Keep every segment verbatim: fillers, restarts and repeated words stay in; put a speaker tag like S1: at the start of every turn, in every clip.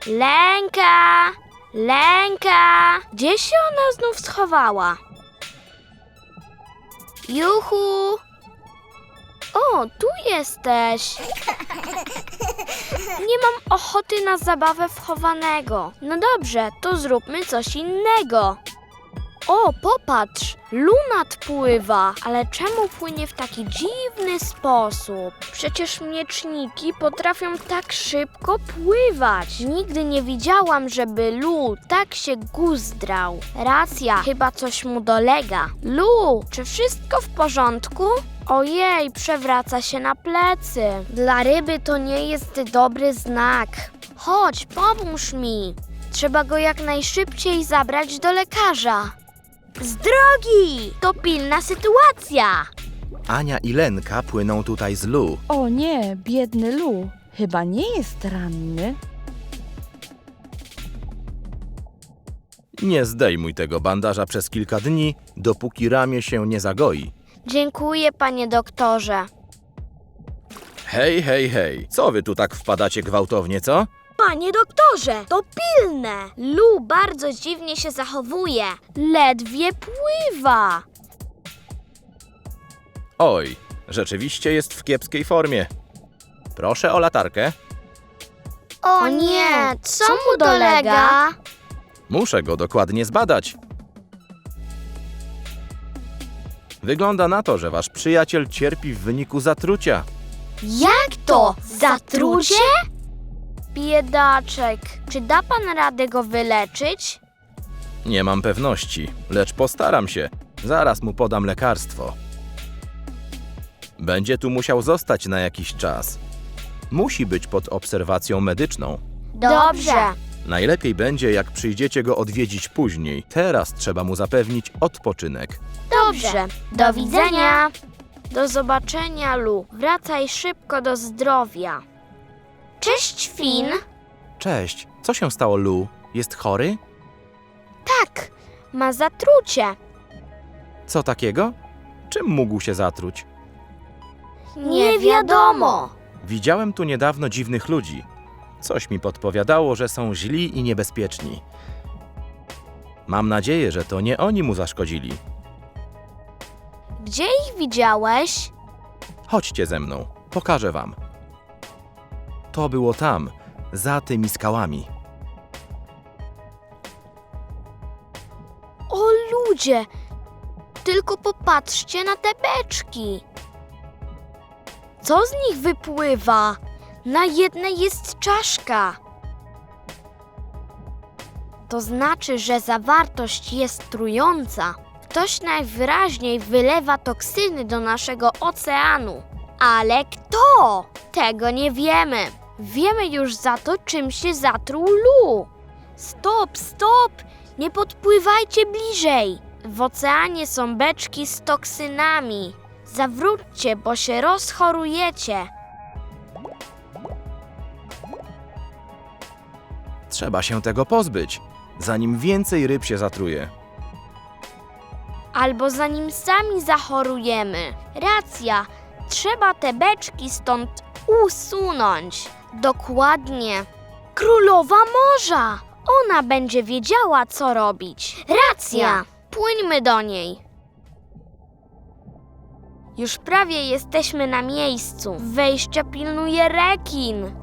S1: Lenka! Lenka! Gdzie się ona znów schowała? Juchu! O, tu jesteś! Nie mam ochoty na zabawę w chowanego. No dobrze, to zróbmy coś innego. O, popatrz, Lu nadpływa, ale czemu płynie w taki dziwny sposób? Przecież mieczniki potrafią tak szybko pływać. Nigdy nie widziałam, żeby Lu tak się guzdrał. Racja, chyba coś mu dolega. Lu, czy wszystko w porządku? Ojej, przewraca się na plecy. Dla ryby to nie jest dobry znak. Chodź, pomóż mi. Trzeba go jak najszybciej zabrać do lekarza. Z drogi! To pilna sytuacja!
S2: Ania i Lenka płyną tutaj z Lu.
S3: O nie, biedny Lu. Chyba nie jest ranny.
S2: Nie zdejmuj tego bandaża przez kilka dni, dopóki ramię się nie zagoi.
S1: Dziękuję, panie doktorze.
S2: Hej, hej, hej. Co wy tu tak wpadacie gwałtownie, co?
S1: Panie doktorze, to pilne! Lu bardzo dziwnie się zachowuje. Ledwie pływa.
S2: Oj, rzeczywiście jest w kiepskiej formie. Proszę o latarkę.
S1: O nie, co mu dolega?
S2: Muszę go dokładnie zbadać. Wygląda na to, że wasz przyjaciel cierpi w wyniku zatrucia.
S1: Jak to? Zatrucie? Biedaczek, czy da pan radę go wyleczyć?
S2: Nie mam pewności, lecz postaram się. Zaraz mu podam lekarstwo. Będzie tu musiał zostać na jakiś czas. Musi być pod obserwacją medyczną.
S1: Dobrze.
S2: Najlepiej będzie, jak przyjdziecie go odwiedzić później. Teraz trzeba mu zapewnić odpoczynek.
S1: Dobrze. Do widzenia. Do zobaczenia, Lu. Wracaj szybko do zdrowia. Cześć, Finn.
S2: Cześć, co się stało, Lu? Jest chory?
S1: Tak, ma zatrucie.
S2: Co takiego? Czym mógł się zatruć?
S1: Nie wiadomo.
S2: Widziałem tu niedawno dziwnych ludzi. Coś mi podpowiadało, że są źli i niebezpieczni. Mam nadzieję, że to nie oni mu zaszkodzili.
S1: Gdzie ich widziałeś?
S2: Chodźcie ze mną, pokażę wam. To było tam, za tymi skałami.
S1: O ludzie, tylko popatrzcie na te beczki. Co z nich wypływa? Na jednej jest czaszka. To znaczy, że zawartość jest trująca. Ktoś najwyraźniej wylewa toksyny do naszego oceanu. Ale kto? Tego nie wiemy. Wiemy już za to, czym się zatruł Lu. Stop, stop! Nie podpływajcie bliżej. W oceanie są beczki z toksynami. Zawróćcie, bo się rozchorujecie.
S2: Trzeba się tego pozbyć, zanim więcej ryb się zatruje.
S1: Albo zanim sami zachorujemy. Racja, trzeba te beczki stąd usunąć. Dokładnie. Królowa Morza! Ona będzie wiedziała, co robić. Racja! Płyńmy do niej. Już prawie jesteśmy na miejscu. Wejścia pilnuje rekin.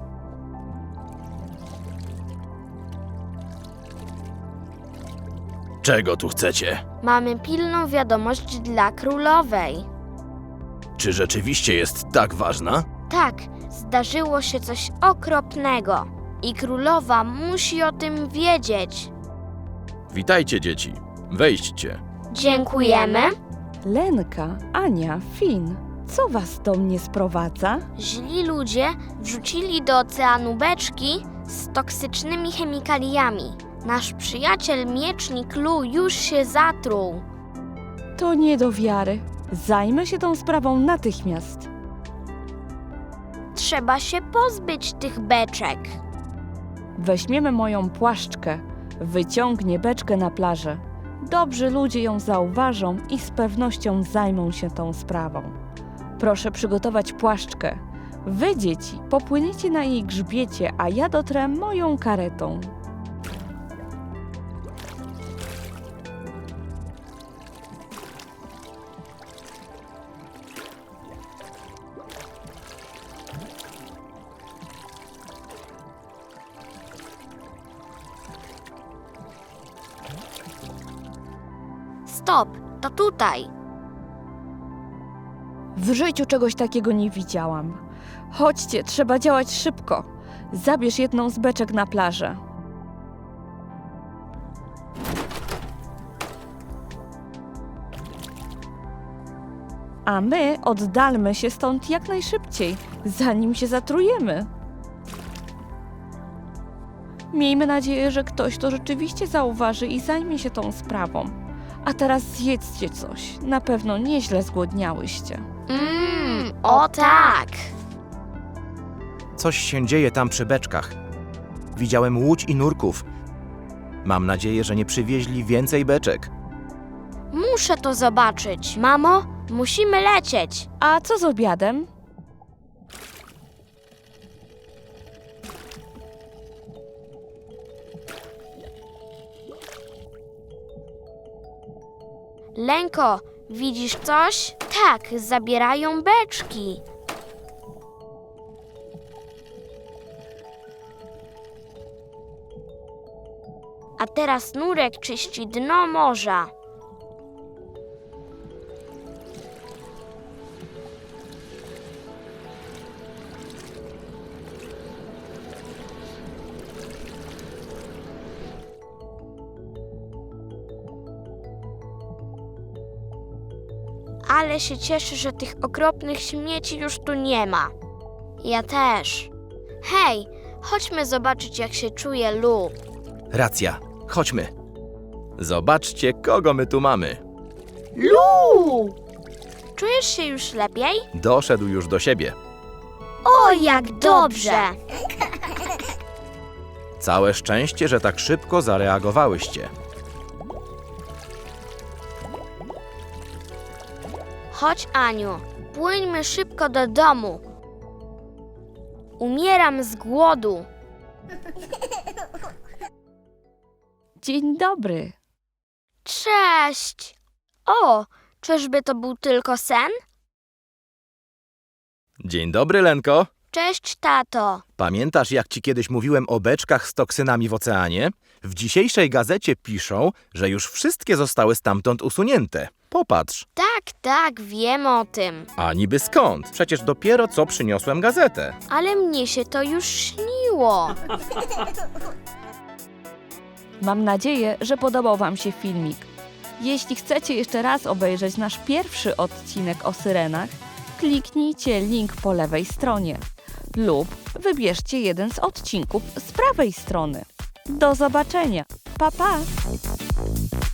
S2: Czego tu chcecie?
S1: Mamy pilną wiadomość dla królowej.
S2: Czy rzeczywiście jest tak ważna?
S1: Tak, zdarzyło się coś okropnego i królowa musi o tym wiedzieć.
S2: Witajcie, dzieci. Wejdźcie.
S1: Dziękujemy.
S3: Lenka, Ania, Finn, co was do mnie sprowadza?
S1: Źli ludzie wrzucili do oceanu beczki z toksycznymi chemikaliami. Nasz przyjaciel miecznik Lu już się zatruł.
S3: To nie do wiary. Zajmę się tą sprawą natychmiast.
S1: Trzeba się pozbyć tych beczek.
S3: Weźmiemy moją płaszczkę. Wyciągnie beczkę na plażę. Dobrzy ludzie ją zauważą i z pewnością zajmą się tą sprawą. Proszę przygotować płaszczkę. Wy, dzieci, popłyniecie na jej grzbiecie, a ja dotrę moją karetą.
S1: Stop, to tutaj.
S3: W życiu czegoś takiego nie widziałam. Chodźcie, trzeba działać szybko. Zabierz jedną z beczek na plażę. A my oddalmy się stąd jak najszybciej, zanim się zatrujemy. Miejmy nadzieję, że ktoś to rzeczywiście zauważy i zajmie się tą sprawą. A teraz zjedzcie coś. Na pewno nieźle zgłodniałyście.
S1: Mmm, o tak.
S2: Coś się dzieje tam przy beczkach. Widziałem łódź i nurków. Mam nadzieję, że nie przywieźli więcej beczek.
S1: Muszę to zobaczyć. Mamo, musimy lecieć.
S3: A co z obiadem?
S1: Lenko, widzisz coś? Tak, zabierają beczki. A teraz nurek czyści dno morza. Ale się cieszę, że tych okropnych śmieci już tu nie ma. Ja też. Hej, chodźmy zobaczyć, jak się czuje Lu.
S2: Racja, chodźmy. Zobaczcie, kogo my tu mamy.
S1: Lu! Czujesz się już lepiej?
S2: Doszedł już do siebie.
S1: O, jak dobrze!
S2: Całe szczęście, że tak szybko zareagowałyście.
S1: Chodź, Aniu, płyńmy szybko do domu. Umieram z głodu.
S3: Dzień dobry.
S1: Cześć! O, czyżby to był tylko sen?
S2: Dzień dobry, Lenko.
S1: Cześć, tato.
S2: Pamiętasz, jak ci kiedyś mówiłem o beczkach z toksynami w oceanie? W dzisiejszej gazecie piszą, że już wszystkie zostały stamtąd usunięte. Popatrz.
S1: Tak, tak, wiem o tym.
S2: A niby skąd? Przecież dopiero co przyniosłem gazetę.
S1: Ale mnie się to już śniło.
S3: Mam nadzieję, że podobał Wam się filmik. Jeśli chcecie jeszcze raz obejrzeć nasz pierwszy odcinek o syrenach, kliknijcie link po lewej stronie lub wybierzcie jeden z odcinków z prawej strony. Do zobaczenia. Pa, pa!